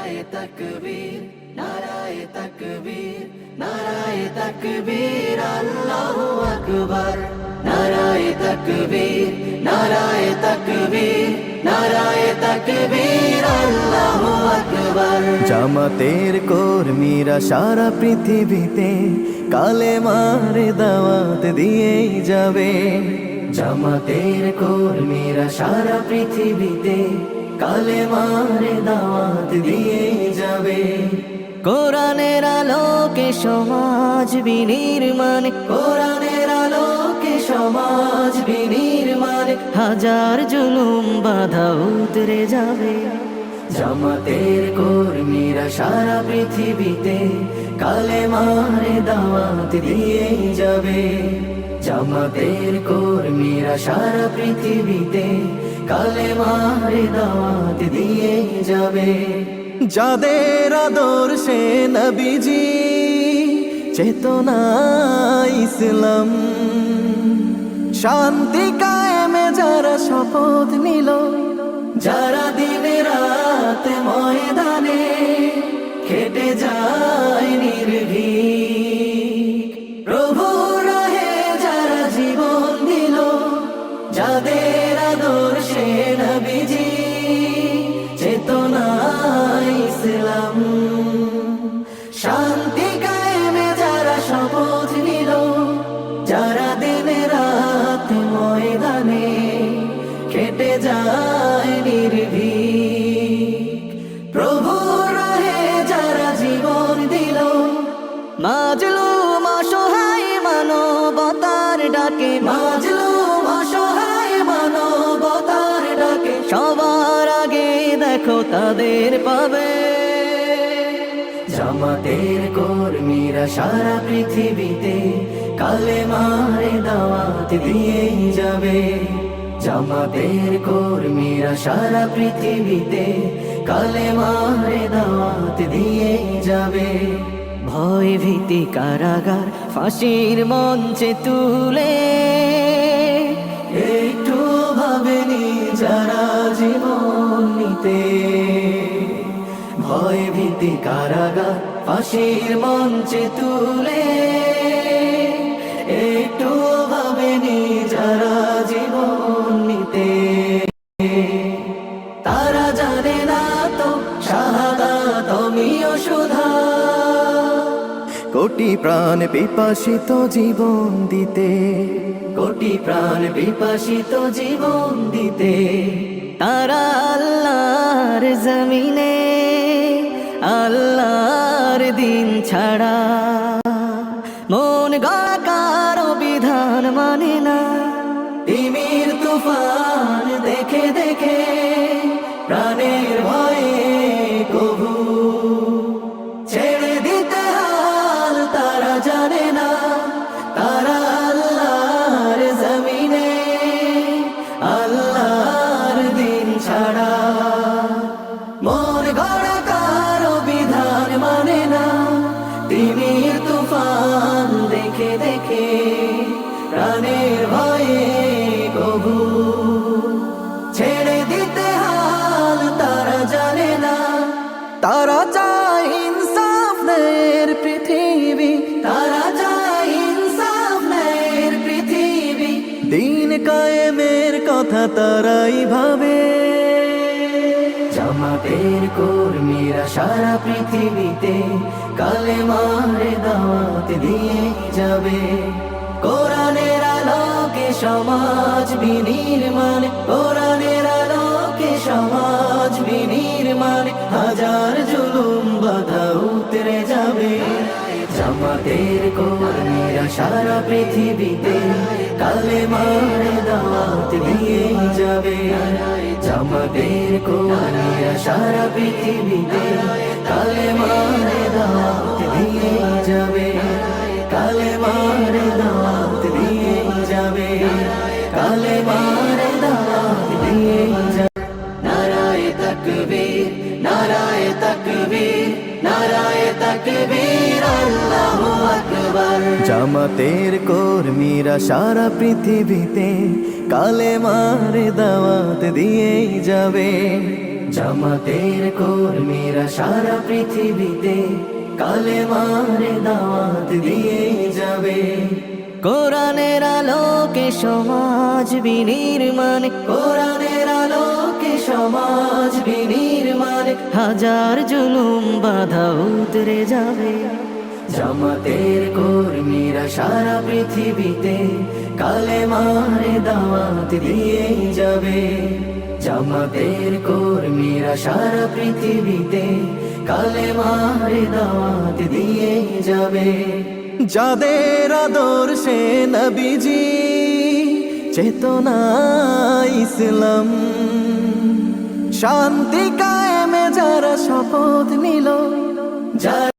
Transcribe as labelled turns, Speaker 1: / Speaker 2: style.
Speaker 1: নারায়ে তাকবীর, নারায়ে তাকবীর, নারায়ে তাকবীর, আল্লাহু আকবার। নারায়ে তাকবীর, নারায়ে তাকবীর, নারায়ে তাকবীর, আল্লাহু আকবার।
Speaker 2: জামাতের কর্মীরা সারা পৃথিবীতে কালেমার দাওয়াত দিয়েই যাবে।
Speaker 1: জামাতের কর্মীরা সারা পৃথিবীতে কালেমার দাওয়াত দিয়ে যাবে।
Speaker 2: কোরআনের আলোকে সমাজ বিনির্মাণ,
Speaker 1: কোরআনের আলোকে সমাজ বিনির্মাণ,
Speaker 2: হাজার জুলুম বাধা উতরে যাবে।
Speaker 1: জামাতের কর্মীরা সারা পৃথিবীতে কালেমার দাওয়াত দিয়ে যাবে। জামাতের কর্মীরা সারা পৃথিবীতে কালেমার দাওয়াত দিয়ে যাবে।
Speaker 2: যাদের আদর্শে নবীজি চেতনা ইসলাম, শান্তি কায়েমে যারা শপথ নিল,
Speaker 1: যারা দিনে রাত ময়দানে খেটে যায় নির্ভীক, প্রভু রাহে যারা জীবন দিল, যাদের আদর্শে নবীজি চেতনা ইসলাম, শান্তি কায়েমে যারা শপথ নিল, যারা দিনে রাত ময়দানে খেটে যায় নির্ভীক, প্রভু রাহে যারা জীবন দিল,
Speaker 2: মাজলুম অসহায় মানবতার ডাকে,
Speaker 1: মাজলুম অসহায় মানবতার ডাকে,
Speaker 2: সবার আগে দেখো তাদের পাবে।
Speaker 1: জামাতের কর্মীরা সারা পৃথিবীতে কালেমার দাওয়াত দিয়ে যাবে। জামাতের কর্মীরা সারা পৃথিবীতে কালেমার দাওয়াত দিয়ে যাবে।
Speaker 2: ভয় ভীতি কারাগার ফাঁসির মঞ্চে তুলে,
Speaker 1: একটু ভাবেনি যারা জীবন নিতে, ভয় ভীতি কারাগার ফাঁসির মঞ্চে তুলে, একটু ভাবেনি যারা জীবন নিতে। তারা জানে না তো শাহাদাত আমিও সুধা,
Speaker 2: কোটি প্রাণ পিপাসিত জীবন দিতে,
Speaker 1: কোটি প্রাণ বিপাসিত জীবন দিতে।
Speaker 2: তারা আল্লাহর জমিনে আল্লাহর দিন ছাড়া মন গড়া কারো বিধান মানে না।
Speaker 1: তিমির তুফান দেখে দেখে প্রাণের ভয়ে কবু ছেড়ে দিতে হাল তারা জানে না। তারা আল্লাহর জমিনে আল্লাহর দিন ছাড়া মন গড়া কারো বিধান মানে না। তিমির তুফান দেখে দেখে প্রাণের ভয়ে কবু ছেড়ে দিতে হাল তারা জানে না।
Speaker 2: তারা চায় ইনসাফ ন্যায়ের পৃথিবী,
Speaker 1: তারা চায় ইনসাফ ন্যায়ের পৃথিবী,
Speaker 2: দিন কায়েমের কথা তারাই ভাবে।
Speaker 1: জামাতের কর্মীরা সারা পৃথিবীতে কালেমার দাওয়াত দিয়ে যাবে। কোরআনের আলোকে সমাজ বিনির্মাণ, কোরআনের আলোকে সমাজ বিনির্মাণ, হাজার জুলুম বাধা উতরে যাবে। জামাতের কর্মীরা সারা পৃথিবীতে কালেমার দাওয়াত দিয়ে যাবে। জামাতের কর্মীরা সারা পৃথিবীতে কালেমার দাওয়াত দিয়ে যাবে। কালেমার দাওয়াত দিয়ে যাবে। কালেমার দাওয়াত দিয়ে যাবে। নারায়ে তাকবীর, নারায়ে তাকবীর, নারায়ে তাকবীর, আল্লাহু আকবার।
Speaker 2: জামাতের কর্মীরা সারা পৃথিবীতে কালেমার দাওয়াত দিয়েই যাবে।
Speaker 1: জামাতের কর্মীরা সারা পৃথিবীতে কালেমার দাওয়াত দিয়ে যাবে। কোরআনের আলোকে সমাজ বিনির্মাণ, কোরআনের আলোকে সমাজ বিনির্মাণ, হাজার জুলুম বাধা উতরে যাবে। জামাতের কর্মীরা সারা পৃথিবীতে কালেমার দাওয়াত দিয়ে যাবে। জামাতের কর্মীরা সারা পৃথিবীতে কালেমার দাওয়াত দিয়ে যাবে।
Speaker 2: যাদের আদর্শে নবীজি চেতনা ইসলাম, শান্তি কায়েমে যারা শপথ নিল,
Speaker 1: যারা